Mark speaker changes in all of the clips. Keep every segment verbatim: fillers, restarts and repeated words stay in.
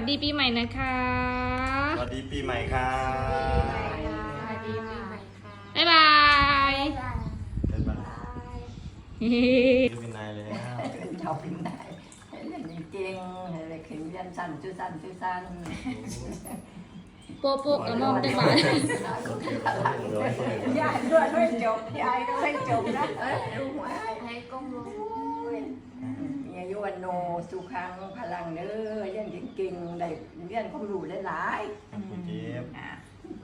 Speaker 1: ดีปีใหม่นะคะ
Speaker 2: สวัสดีปีใหม่ค่ะ
Speaker 3: สวัสดีปีใหม่ค่ะ
Speaker 1: บ๊ายบาย
Speaker 2: เป็นบ้านเป็นนายเลย
Speaker 4: ชอบเป็นนายเล่นเก่งอะไรเข็นยันสั่นจุสั่นจุสั่น
Speaker 1: โป๊ะโป๊ะกระมองจังหวะ
Speaker 4: ยายด้วยไม่จบยายก็ไม่จบนะเอ้ยรู้ไหม
Speaker 3: ให้ก้มลง
Speaker 4: มีอายุวันโนสุขังพลังเด้อเรียนเก่งๆได้เรียนความรู้หลาย
Speaker 2: คุณเจี๊ยบ
Speaker 4: ๆอ่ะ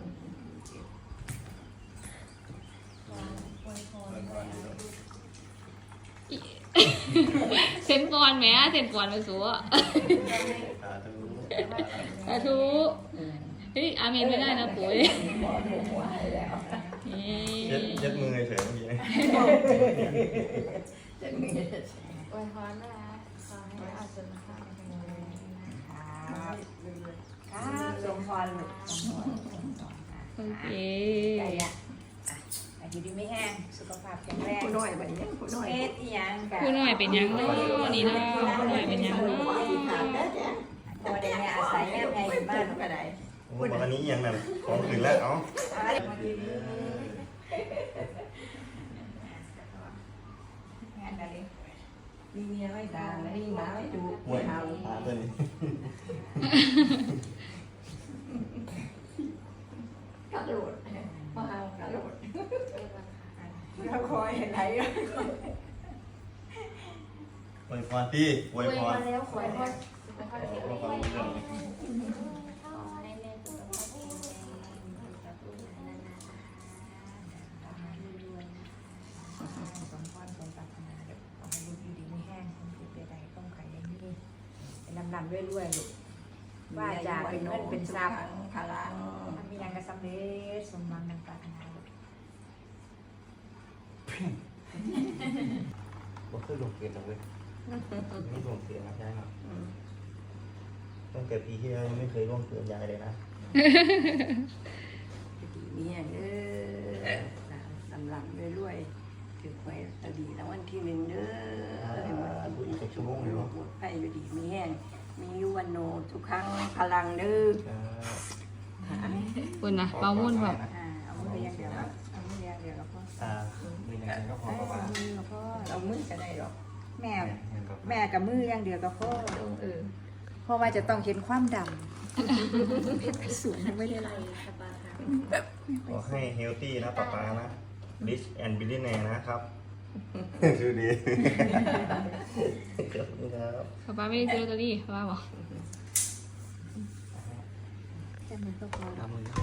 Speaker 1: เซนปอนแหมเซนปอนไปสัว
Speaker 2: ตาทู
Speaker 1: สาธุเฮ้ยอาเมนไม่ได้นะปุ๋ย
Speaker 4: หมอดูหัวให้แล้ว
Speaker 2: เย็ดเย็ดมือเฉยเมื่อกี้
Speaker 4: จะมี
Speaker 3: อวยพรนะคะขอให้อาจารย์ค่ะ
Speaker 4: ครับครับสมพรลูกสมพร
Speaker 1: โอเค
Speaker 5: ใจอ่ะอายุดีไม่แห้งสุขภาพแข็งแรง
Speaker 4: ผู้น้อยบัดนี้ผู้น้อย
Speaker 5: เฮ็ดอีหยังกะ
Speaker 1: ผู้หน่อยเป็นยังเนาะนี่เนาะผู้หน่อยเป็นยังเนาะ
Speaker 5: พอได้แม่อาศัยแม่ไงอยู่บ้าน
Speaker 4: ก็ได้
Speaker 2: โอ้วันนี้ยังนั่นของถึงแล้วเอ้า
Speaker 5: งานอะไร
Speaker 4: มีเมียไม่ตามีหมาไม่จู
Speaker 2: หวยตาตัวนี้
Speaker 4: กระโดดมาเอากระโดด
Speaker 5: เราคอยไหน
Speaker 2: อวยพรที่อ
Speaker 3: อ
Speaker 2: ว
Speaker 3: วย ย
Speaker 2: พ
Speaker 3: พ
Speaker 2: ร
Speaker 3: รแล้วขอให้พ่อสุขภาพแข็งแรงขอให้แม่สุขภาพแข็งแรงกับลูกหลานนานๆรวยๆนะ
Speaker 5: สมพรสมปรารถนาเด็กขอให้ลูกอยู่ดีไม่แห้งคนผิดใดๆต้องไข่ยังนี่เป็นลำๆเรื่อยๆลูกว่าจะเป็นเงินเป็นทรัพย์
Speaker 4: พลัง
Speaker 5: ทำมีงานกระสำเร็จสมหวังดังปรารถนาลูก
Speaker 2: บ่เคยลงเกียรติเลยไม่ลงเกียรตินะใช่ครับตั้งแต่ปีที่แล้วยังไม่เคยร่วงเกินยายเลยนะ
Speaker 4: เมียเด้อลำลำรวยๆถือหวยตะดีแล้ววันที่หนึ่งเด้อ
Speaker 2: ดูอีกชั่วโมงเลยเนาะ
Speaker 4: หมดไฟอยู่ดีมีแห้งมียุวันโนทุกครั้งพลังเด้อ
Speaker 1: คุณนะเปามุ่นแบบ
Speaker 5: อ่าเอามืออย่างเดียวครับเอามืออย่างเดียวกับพ่อ
Speaker 2: อ่ามีอะไรก็พอประมาณ
Speaker 5: มือกับพ่อ
Speaker 4: เรามือจะได้หรอก
Speaker 5: แม่แม่กับมืออย่างเดียวกับพ่อเออเพราะว่าจะต้องเห็นความดำสูงไม่ได้ไร
Speaker 3: สบายค่ะ
Speaker 2: ขอให้เฮลตี้นะป๊าป๊านะ rich and billionaire นะครับดูดีขอบคุณครับ
Speaker 1: ป้าป้าไม่ได้ซื้อลอตเตอรี่ป้าป้าบอก
Speaker 5: จะมือก็พอ
Speaker 2: ทำมือ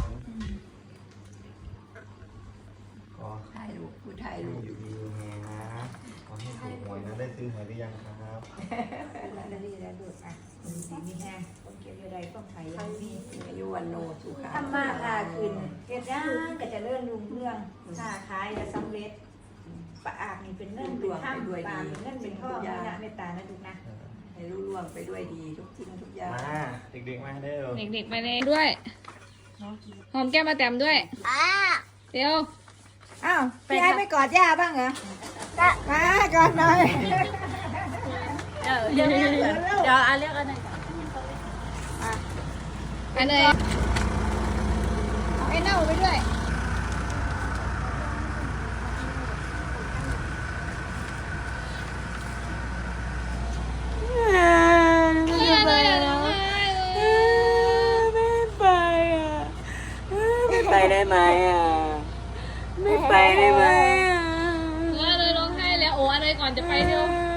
Speaker 2: ขอ
Speaker 4: ถ่ายรูปผู้ถ่าย
Speaker 2: ให้
Speaker 4: รูป
Speaker 2: อยู่ดีมีแรงนะขอให้ถูกหวยนะได้ซื้อหวยหรือยังครับ
Speaker 5: แล้วนี่แล้วดูอ่ะมีดีมีแห้งต้องเก็บอะไรต้องไข่ยังมี
Speaker 4: มีอายุวันโนสุขัง
Speaker 5: ทำมาค้าขึ้นเฮ็ดย่างก็จะเลื่อนรุ่งเรื่องค้าขายจะสำเร็จปะอากนี่เป็นเงินเป็นข้ามปามเงินเป็นทองนี่นะเมตตานะดูนะ
Speaker 4: ให้รู้ล่วงไปด้วยดีทุกทิ้งทุกอย่าง
Speaker 2: มาเด็กๆมาเด้อ
Speaker 1: เด็กๆไปเลยด้วยหอมแก้มมาแต้มด้วยเดี๋ยว
Speaker 5: อ้าวพี่ไอ้ไม่กอดย่าบ้างเหรอมากอดหน่อย
Speaker 3: เดี๋ยวเดี๋ยวเดี๋ยวอาเรียกอันไหน
Speaker 1: อันเลยไอ้เน่าไปด้วยไม่ไปอ่ะ
Speaker 4: ไม่ไปได้ไหมอ่ะไม่ไปได้ไหมอ่ะ
Speaker 1: เลยร้องไห้แล้วโอ้อะไรก่อนจะไปเร็ว